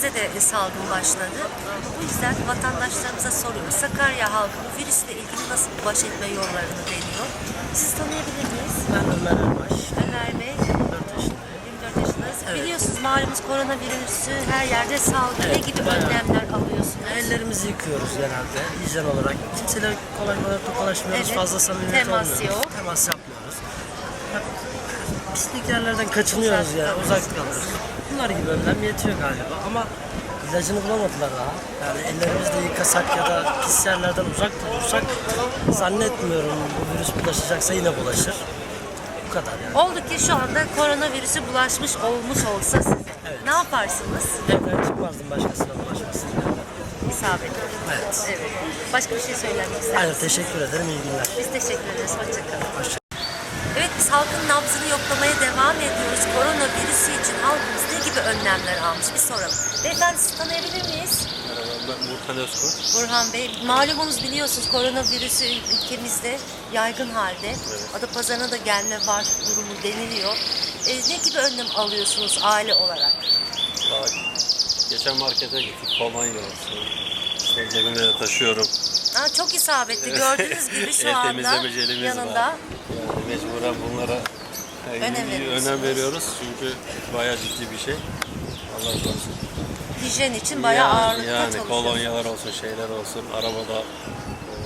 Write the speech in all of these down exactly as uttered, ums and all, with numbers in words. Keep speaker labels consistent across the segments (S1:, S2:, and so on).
S1: ilçemizde de salgın başladı. Bu yüzden vatandaşlarımıza soruyoruz. Sakarya halkı bu virüsle ilgili nasıl baş etme yollarını deniyor? Siz tanıyabilir miyiz?
S2: Ben Ömer Erbaş.
S1: Ömer Bey,
S2: yirmi dört yaşındayım.
S1: yirmi dört yaşındayız.
S2: Evet.
S1: Biliyorsunuz malumunuz koronavirüsü her yerde salgın.
S2: Evet,
S1: Ne gibi
S2: bayağı.
S1: önlemler alıyorsunuz?
S2: Ellerimizi yıkıyoruz genelde hijyen olarak. Kimseyle kolay kolay tokalaşmıyoruz.
S1: Evet.
S2: Fazla samimiyet
S1: Temas
S2: olmuyoruz.
S1: yok.
S2: Temas yapmıyoruz. Hep pislik yerlerden kaçınıyoruz
S1: Uzak
S2: yani.
S1: kalıyoruz.
S2: Uzak kalıyoruz. Bunlar gibi önlem yetiyor galiba ama ilacını bulamadılar daha. Yani ellerimizde yıkasak ya da pis yerlerden uzak durursak zannetmiyorum bu virüs bulaşacaksa yine bulaşır. Bu kadar yani.
S1: Oldu ki şu anda koronavirüsü bulaşmış olmuş olsa siz
S2: Evet.
S1: ne yaparsınız?
S2: Evden çıkmazdım başkasına bulaşmasın.
S1: İsabet.
S2: Evet.
S1: Evet. Başka bir şey söylemek ister
S2: Hayır,
S1: misiniz?
S2: teşekkür ederim. İyi günler.
S1: Biz teşekkür ederiz. Hoşçakalın.
S2: Hoşça
S1: Evet, biz halkın nabzını yoklamaya devam ediyoruz. Koronavirüsü için halkımız ne gibi önlemler almış bir soralım. Beyefendi sizi tanıyabilir miyiz?
S3: Merhaba, ben Burhan Özkurt.
S1: Burhan Bey, malumunuz biliyorsunuz koronavirüsü ülkemizde yaygın halde. Adapazarı'na da gelme var durumu deniliyor. E, ne gibi önlem alıyorsunuz aile olarak?
S3: Daha geçen markete gittik, kolonya olsun. İşte cebimde de taşıyorum.
S1: Ha, çok isabetli. Gördüğünüz gibi şu
S3: El
S1: anda
S3: temizleme jelimiz
S1: yanında.
S3: var. Yani mecburen bunlara e,
S1: Önem veriyorsunuz.
S3: önem veriyoruz çünkü bayağı ciddi bir şey. Allah korusun.
S1: Hijyen için bayağı
S3: yani,
S1: ağırlıkta
S3: yani
S1: çalışıyorsunuz.
S3: kolonyalar olsun, şeyler olsun, arabada e,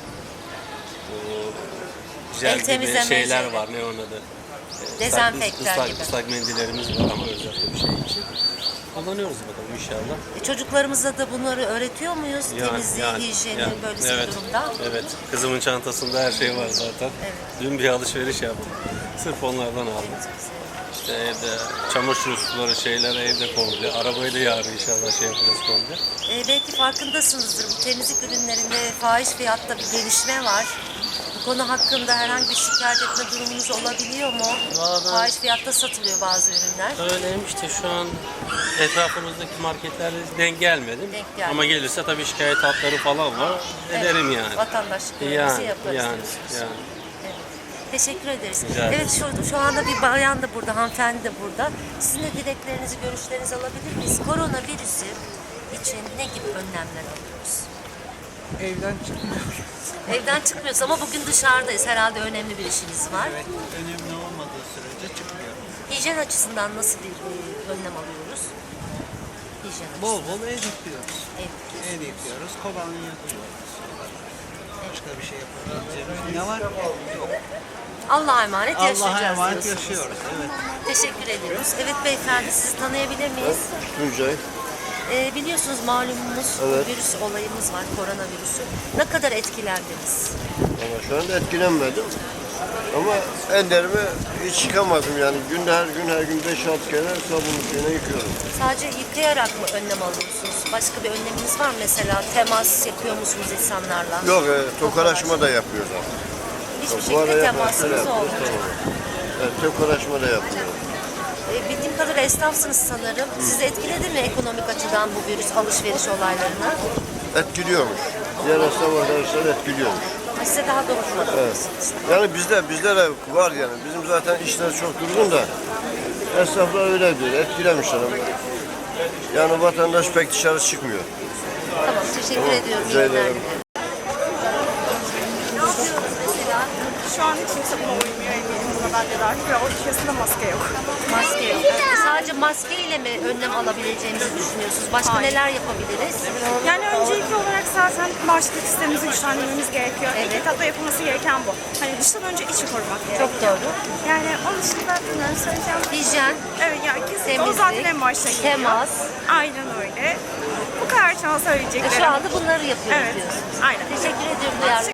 S3: bu jel
S1: El
S3: gibi
S1: temizleme
S3: şeyler
S1: jeli.
S3: var, ne onun adı? E,
S1: Dezenfektan
S3: ıslak,
S1: gibi.
S3: ıslak mendillerimiz var ama özel bir şey için. Kullanıyoruz bakalım inşallah.
S1: E, Çocuklarımıza da bunları öğretiyor muyuz? Temizliği, hijyeni,
S3: yani,
S1: böylesi
S3: evet,
S1: bir durumda.
S3: Evet, kızımın çantasında her şey var zaten.
S1: Evet.
S3: Dün bir alışveriş yaptık. Sırf onlardan aldım. İşte evde çamaşır suları, şeyler evde komple. Arabayı da yarın inşallah şey yapacağız komple.
S1: E, belki farkındasınızdır. Bu temizlik ürünlerinde fahiş fiyatta bir gelişme var. Bu konu hakkında herhangi bir şikayet etme durumunuz olabiliyor mu?
S2: Valla ben-
S1: Fahiş fiyatta satılıyor bazı ürünler.
S3: Öyleymiş de şu an etrafımızdaki marketlerde denk gelmedim.
S1: Denk gelmedi.
S3: Ama gelirse tabii şikayet hatları falan var. Ederim yani.
S1: Vatandaşlık görevlisi
S3: Yani,
S1: yaparız
S3: yani,
S1: diyorsunuz.
S3: yani.
S1: Evet. Teşekkür ederiz.
S3: Rica ederim.
S1: Evet, şu, şu anda bir bayan da burada, hanımefendi de burada. Sizin de dileklerinizi, görüşlerinizi alabilir miyiz? Koronavirüsü için ne gibi önlemler alıyoruz?
S4: Evden çıkmıyoruz.
S1: Evden çıkmıyoruz ama bugün dışarıdayız. Herhalde önemli bir işiniz var.
S4: Evet, önemli olmadığı sürece çıkmıyoruz.
S1: Hijyen açısından nasıl bir e, önlem alıyoruz? Hijyen
S4: Bol
S1: açısından.
S4: bol ev yıkıyoruz.
S1: Ev yıkıyoruz.
S4: Ev yıkıyoruz, kolonya kullanıyoruz. Başka bir şey yapabileceğimiz ne var? Yok.
S1: Allah'a emanet yaşayacağız
S4: Allah'a emanet
S1: diyorsunuz.
S4: yaşıyoruz. Evet.
S1: Teşekkür ediyoruz. Evet beyefendi, sizi tanıyabilir miyiz?
S5: Tuncay.
S1: Ee, biliyorsunuz malumunuz
S5: Evet.
S1: virüs olayımız var, koronavirüsü. Ne kadar etkilendiniz?
S5: Ama şu anda etkilenmedim. Ama ellerimi hiç yıkamadım yani. Günde her gün her gün beş altı kere sabunlu suyuna yıkıyorum.
S1: Sadece yıkayarak mı önlem alıyorsunuz? Başka bir önleminiz var mı? Mesela temas yapıyor musunuz insanlarla?
S5: Yok e, tokalaşma da yapıyoruz artık.
S1: Hiçbir
S5: Bu ara
S1: şekilde
S5: yaparız, öyle
S1: temasınız
S5: yapıyoruz,
S1: olmuyor.
S5: tamam. Evet, tokalaşma da yapıyoruz.
S1: Ee, bildiğim kadarıyla esnafsınız sanırım. Sizi etkiledi mi ekonomik açıdan bu virüs alışveriş olaylarına?
S5: Etkiliyormuş. Diğer esnaf arkadaşlar etkiliyormuş.
S1: Size daha dokunmadı.
S5: Evet. Yani bizde, bizde de var yani. Bizim zaten işler çok durgun da esnaflar öyle diyor. Etkilemişler ama. Yani vatandaş pek dışarı çıkmıyor.
S1: Tamam, teşekkür ediyorum.
S5: rica
S1: İyi günler
S5: ederim.
S1: dilerim. Ne yapıyoruz mesela?
S6: Şu an hiç kimse buna uymuyor eminim buna ben de dahil ve o içerisinde maske yok.
S1: Maske yok. Ee, Sadece maske ile mi önlem alabileceğimizi düşünüyorsunuz? Başka
S6: Hayır.
S1: neler yapabiliriz?
S6: Yani öncelikli olarak zaten bağışıklık sistemimizi güçlendirmemiz gerekiyor.
S1: Evet.
S6: İlk etapta yapılması gereken bu. Hani dıştan önce içi korumak gerekiyor.
S1: Çok doğru.
S6: Yani onun dışında bunları söyleyeceğim.
S1: Hijyen,
S6: Evet yani kesinlikle o
S1: temizlik,
S6: zaten en başta geliyor.
S1: temas.
S6: Aynen öyle. Bu kadar şu an söyleyeceklerim.
S1: Şu anda bunları yapıyoruz
S6: Evet.
S1: diyorsunuz.
S6: Aynen.
S1: Teşekkür ediyorum duyarlı.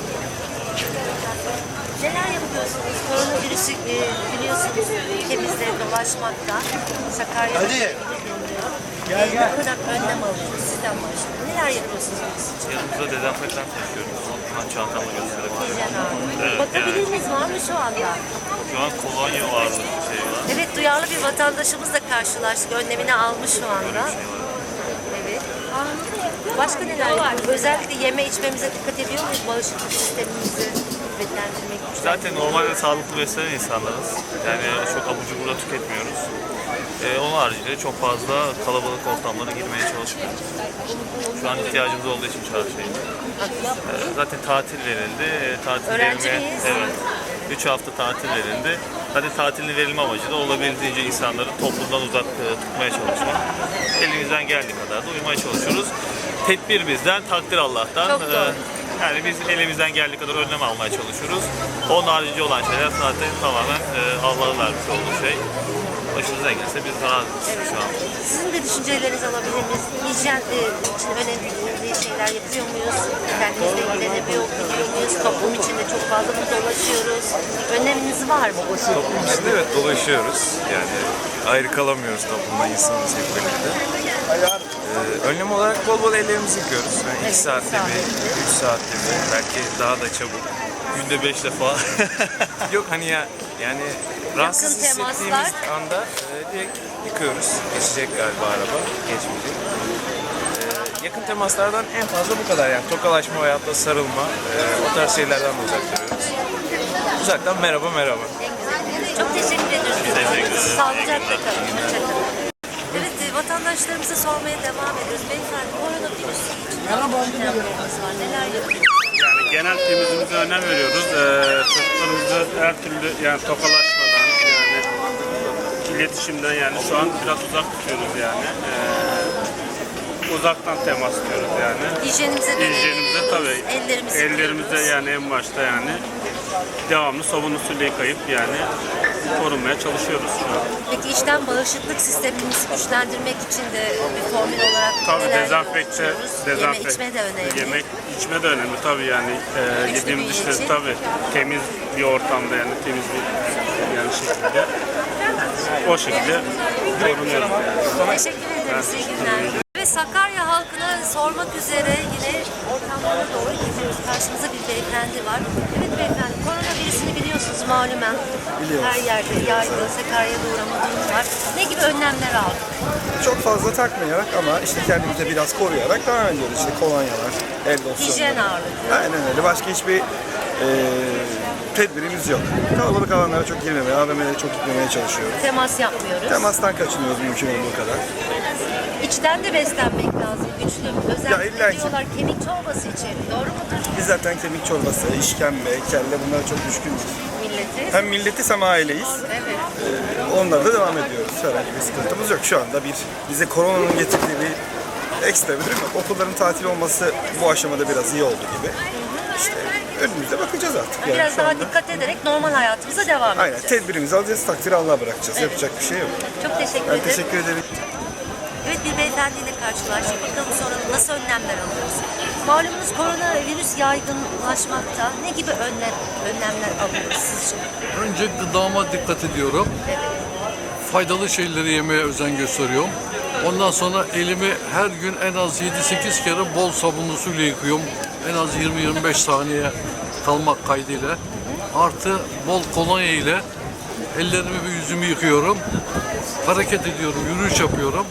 S1: Neler yapıyorsunuz? Koronavirüsü e, biliyorsunuz ülkemizde dolaşmakta. Sakarya'da
S5: Hadi.
S1: deniliyor. Gel gel. Ne kadar önlem alıyorsunuz? Sizden başlayalım. Neler yapıyorsunuz virüs için?
S7: Yanımızda dezenfektan taşıyoruz. Hemen çantamla gösterebilirim.
S1: Hijyen ağırlığı.
S7: Evet,
S1: Bakabiliriniz var mı şu anda?
S7: Şu an kolonya vardı bir şey var.
S1: Evet, duyarlı bir vatandaşımızla karşılaştık. Önlemini almış şu anda. Evet. Başka neler yapıyoruz? Özellikle yeme içmemize dikkat ediyor muyuz? Bağışıklık sistemimizi kuvvetlendirmek için.
S7: Zaten normalde sağlıklı beslenen insanlarız. Yani çok abur cubur da tüketmiyoruz. Ee, onun haricinde çok fazla kalabalık ortamlara girmeye çalışmıyoruz. Şu an ihtiyacımız olduğu için çarşıya. Ee, zaten tatil verildi. Ee, tatil
S1: Öğrenci
S7: verilme-
S1: miyiz?
S7: Evet. üç hafta tatil verildi. Zaten tatilin verilme amacı da olabildiğince insanları toplumdan uzak e, tutmaya çalışmak. Elimizden geldiği kadar da uymaya çalışıyoruz. Tedbir bizden, takdir Allah'tan.
S1: Çok doğru.
S7: Ee, Yani biz elimizden geldiği kadar önlem almaya çalışıyoruz. Onun harici olan şeyler zaten tamamen e, Allah'ın vermiş olduğu şey. Başınıza gelse biz razıyız şu an.
S1: Sizin de düşüncelerinizi alabilir miyiz? Hijyen e, için önemli şeyler yapıyor muyuz? Kendimizle ilgileniyor biliyor muyuz? Toplum içinde çok fazla mı dolaşıyoruz? Önleminiz var mı?
S8: Toplum içinde evet dolaşıyoruz. Yani ayrı kalamıyoruz toplumda insanımız hep birlikte. Ee, önlem olarak bol bol ellerimizi yıkıyoruz. Yani iki
S1: Evet,
S8: saatte
S1: saatte
S8: bir, üç saatte bir, belki daha da çabuk.
S7: Günde beş defa.
S8: Yok hani ya yani rahatsız
S1: temaslar.
S8: hissettiğimiz anda e, direkt yıkıyoruz. Geçecek galiba araba, geçmeyecek. Ee, yakın temaslardan en fazla bu kadar yani tokalaşma veyahut da sarılma, e, o tarz şeylerden de uzak duruyoruz. Uzaktan merhaba merhaba.
S1: Çok teşekkür ediyoruz.
S7: teşekkür ederiz.
S1: Sağlıcakla kalın. Hoşçakalın. Evet, e, vatandaşlarımıza sormaya devam ediyoruz. Beyefendi, koronavirüs için önlemleriniz var. Neler yapıyorsunuz?
S9: Yani genel temizliğimize önem veriyoruz. Ee, çocuklarımızı her türlü yani tokalaşmadan yani iletişimden yani şu an biraz uzak tutuyoruz yani. Ee, uzaktan temas tutuyoruz yani.
S1: Hijyenimize dönüyoruz.
S9: Hijyenimize tabii.
S1: Ellerimizi
S9: Ellerimize
S1: yıkıyoruz.
S9: yani en başta yani devamlı sabun usulü yıkayıp yani korunmaya çalışıyoruz şu an.
S1: Peki işten bağışıklık sistemimizi güçlendirmek için de bir formül olarak
S9: Tabii
S1: neler
S9: dezenfekte,
S1: yapıyoruz?
S9: dezenfekte.
S1: Yeme içme de önemli.
S9: Yemek içme de önemli tabii yani. E,
S1: Güçlü
S9: yediğimiz
S1: bir
S9: işte
S1: yiyecek.
S9: tabii temiz bir ortamda yani temiz bir yani şekilde o şekilde korunuyoruz yani.
S1: Teşekkür ederiz. İyi günler. Ve Sakarya halkına sormak üzere yine ortamlara doğru gidiyoruz. Karşımızda bir beyefendi var. Evet beyefendi, koronavirüsünü biliyorsunuz malumen.
S10: Biliyoruz.
S1: Her yerde yaygın, Sakarya'da uğrama durumu var. Ne gibi önlemler aldık?
S10: Çok fazla takmayarak ama işte kendimizi biraz koruyarak devam ediyoruz. İşte kolonyalar, el losyonları.
S1: Hijyen ağırlıklı.
S10: Aynen öyle. Başka hiçbir e, tedbirimiz yok. Kalabalık alanlara çok girmemeye, A V M'lere çok gitmemeye çalışıyoruz.
S1: Temas yapmıyoruz.
S10: Temastan kaçınıyoruz mümkün olduğu kadar.
S1: İçten de beslenmek lazım. Güçlü. Özellikle
S10: Ya illa ki.
S1: diyorlar kemik çorbası içelim. Doğru mudur?
S10: Biz zaten kemik çorbası, işkembe, kelle bunlara çok düşkünüz.
S1: Milleti.
S10: Hem milletiz hem aileyiz.
S1: Evet.
S10: E, onlara da devam ediyoruz. Herhangi bir sıkıntımız yok. Şu anda bir bize koronanın getirdiği bir ekstra bir durum yok. Okulların tatil olması bu aşamada biraz iyi oldu gibi. İşte önümüzde bakacağız artık. Yani
S1: Biraz
S10: şu
S1: daha
S10: anda.
S1: dikkat ederek normal hayatımıza devam
S10: Aynen
S1: edeceğiz.
S10: tedbirimizi alacağız, takdiri Allah'a bırakacağız. Yapacak bir şey yok.
S1: Çok teşekkür
S10: Ben
S1: ederim.
S10: teşekkür ederim.
S1: Evet, bir beyefendiyle karşılaştık. Bakalım sonra nasıl önlemler alıyoruz? Malumunuz koronavirüs yaygınlaşmakta. Ne gibi önlem, önlemler alıyoruz sizce?
S11: Önce gıdama dikkat ediyorum. Faydalı şeyleri yemeye özen gösteriyorum. Ondan sonra elimi her gün en az yedi sekiz kere bol sabunlu suyla yıkıyorum. En az yirmi yirmi beş saniye kalmak kaydıyla. Artı bol kolonya ile ellerimi ve yüzümü yıkıyorum. Hareket ediyorum, yürüyüş yapıyorum.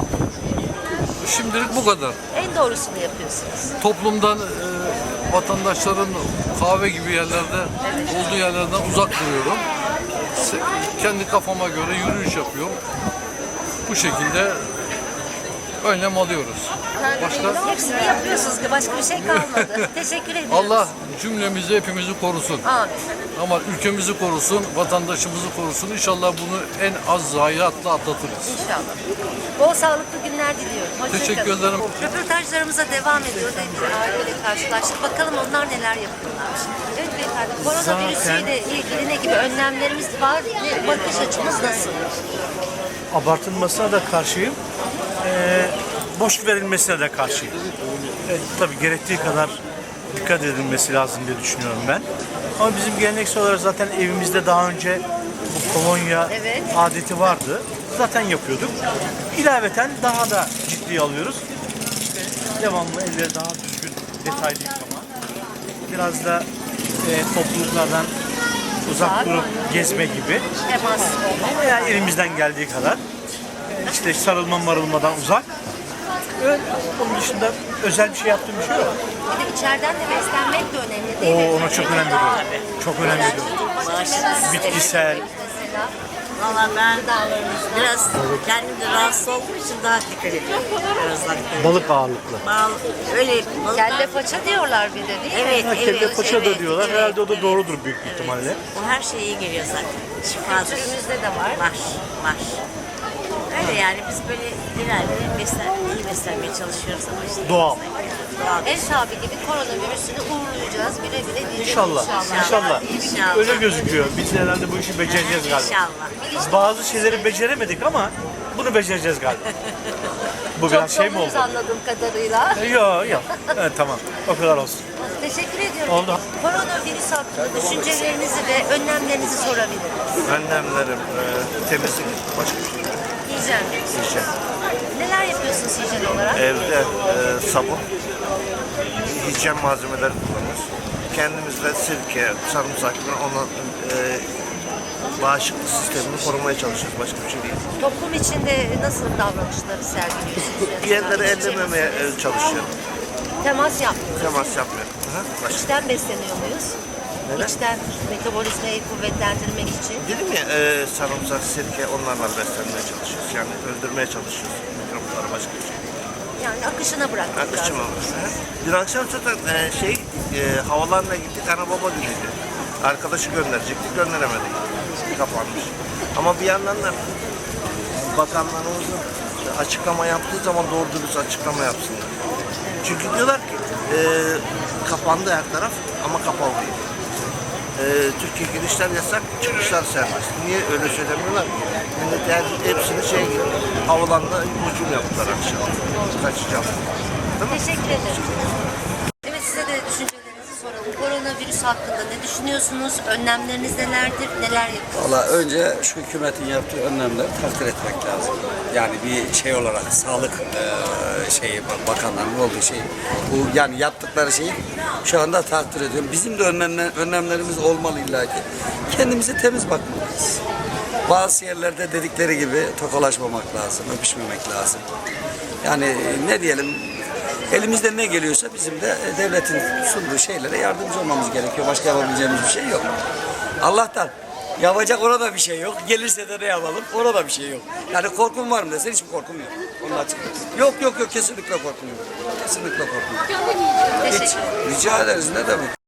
S11: Şimdilik bu kadar.
S1: En doğrusunu yapıyorsunuz.
S11: Toplumdan e, vatandaşların kahve gibi yerlerde olduğu yerlerden uzak duruyorum. Se- Kendi kafama göre yürüyüş yapıyorum. Bu şekilde önlem alıyoruz. Başka
S1: Hepsini yapıyorsunuz. Başka bir şey kalmadı. Teşekkür ediyoruz.
S11: Allah cümlemizi hepimizi korusun.
S1: Amin.
S11: Ama ülkemizi korusun, vatandaşımızı korusun. İnşallah bunu en az zayiatla atlatırız.
S1: İnşallah. Bol sağlıklı günler diliyorum. Hoşça
S11: Teşekkür
S1: kalın.
S11: ederim.
S1: Röportajlarımıza devam ediyoruz. Bir aileyle karşılaştık. Bakalım onlar neler yapıyorlarmış. Evet beyefendi, koronavirüsüyle ilgili ne gibi önlemlerimiz var? Ve bakış açımız nasıl?
S12: Abartılmasına da karşıyım. Ee, boş verilmesine de karşıyım. Evet, tabii gerektiği kadar dikkat edilmesi lazım diye düşünüyorum ben. Ama bizim geleneksel olarak zaten evimizde daha önce bu kolonya
S1: Evet.
S12: adeti vardı. Zaten yapıyorduk. İlaveten daha da ciddiye alıyoruz. İşte devamlı elleri daha düzgün, detaylı yıkama. Biraz da e, topluluklardan uzak durup gezme gibi.
S1: Temas.
S12: Veya elimizden geldiği kadar. E, işte sarılma marılmadan uzak. Ve onun dışında özel bir şey yaptığım bir şey yok.
S1: Bir de içeriden de beslenmek de önemli değil mi?
S12: Oo, ona çok önem veriyorum. Çok önem veriyorum.
S1: Bağışıklık sistemi
S12: Bitkisel.
S1: mesela.
S13: Valla ben biraz kendim de rahatsız olduğum için daha dikkat ediyorum. Biraz daha.
S12: Balık ağırlıklı.
S13: Bal, öyle balıklar-
S1: Kelle paça diyorlar bir de değil mi?
S13: Evet,
S12: Ha,
S13: evet.
S12: kelle paça da
S13: evet,
S12: diyorlar.
S13: evet,
S12: Herhalde o da
S13: evet,
S12: doğrudur büyük
S13: evet.
S12: ihtimalle.
S13: O her şeye iyi geliyor zaten. Şifadır.
S1: Kültürümüzde de var.
S13: Var, var. Öyle yani biz böyle ileride beslen, iyi beslenmeye çalışıyoruz ama işte.
S12: Doğal.
S13: Doğal.
S1: Ev sahibi gibi koronavirüsünü uğurlayacağız. Güle güle diyeceğiz.
S12: İnşallah. İnşallah.
S13: İnşallah.
S12: Öyle gözüküyor. Biz de herhalde bu işi becereceğiz galiba.
S13: İnşallah.
S12: Biz bazı şeyleri beceremedik ama bunu becereceğiz galiba. Bu biraz
S1: Çok
S12: şey mi oldu?
S1: doluyuz anladığım kadarıyla.
S12: Yok yok. Evet, tamam. O kadar olsun.
S1: Teşekkür ediyorum.
S12: Oldu.
S1: Koronavirüs hakkında düşüncelerinizi ve önlemlerinizi sorabilirim.
S5: Önlemlerim, e, temizlik, başka bir şey yok.
S1: Hijyen.
S5: Hijyen.
S1: Neler yapıyorsunuz hijyen olarak?
S5: Evde e, sabun, hijyen malzemeleri kullanıyoruz. Kendimizde sirke, sarımsak, onun e, bağışıklık sistemini korumaya çalışıyoruz. Başka bir şey değil.
S1: Toplum içinde nasıl davranışları sergiliyorsunuz?
S5: Bir yerleri ellememeye e, çalışıyorum.
S1: Temas yapmıyoruz.
S5: Temas yapmıyorum. Hı hı, başka.
S1: İçten besleniyor muyuz?
S5: Neden?
S1: İçten metabolizmayı kuvvetlendirmek için.
S5: Dedim ya e, sarımsak, sirke onlarla beslenmeye çalışıyoruz. Yani öldürmeye çalışıyoruz mikropları, başka bir şey.
S1: Yani akışına bırakmak
S5: Akışım
S1: lazım.
S5: olmuş. Hı hı. Dün akşam zaten e, şey e, havalarına gittik, ana baba günüydü. Arkadaşı gönderecektik, gönderemedik. Kapanmış. Ama bir yandan da bakanlarımızın açıklama yaptığı zaman doğru dürüst açıklama yapsınlar. Çünkü diyorlar ki e, kapandı her taraf ama kapalı değil. E, Türkiye girişler yasak, çıkışlar serbest. Niye öyle söylemiyorlar ki? Millet her, hepsini şey gibi havalanla hücum yaptılar akşam. Kaçacağım. Değil mi?
S1: Teşekkür ederim. Evet, size de düşüncelerinizi soralım. Koronavirüs hakkında ne düşünüyorsunuz? Önlemleriniz nelerdir? Neler yapıyorsunuz?
S14: Valla önce şu hükümetin yaptığı önlemleri takdir etmek lazım. Yani bir şey olarak sağlık e, şeyi bakanlarının olduğu şey bu yani yaptıkları şeyi şu anda takdir ediyorum. Bizim de önlemler, önlemlerimiz olmalı illa ki. Kendimize temiz bakmalıyız. Bazı yerlerde dedikleri gibi tokalaşmamak lazım, öpüşmemek lazım. Yani ne diyelim elimizde ne geliyorsa bizim de devletin sunduğu şeylere yardımcı olmamız gerekiyor. Başka yapabileceğimiz bir şey yok. Allah'tan yapacak orada bir şey yok. Gelirse de ne yapalım? Orada bir şey yok. Yani korkum var mı desen hiçbir korkum yok. Onun açık. Yok yok yok kesinlikle korkum yok. Kesinlikle korkum yok.
S1: Teşekkür
S14: Hiç, rica ederiz ne demek.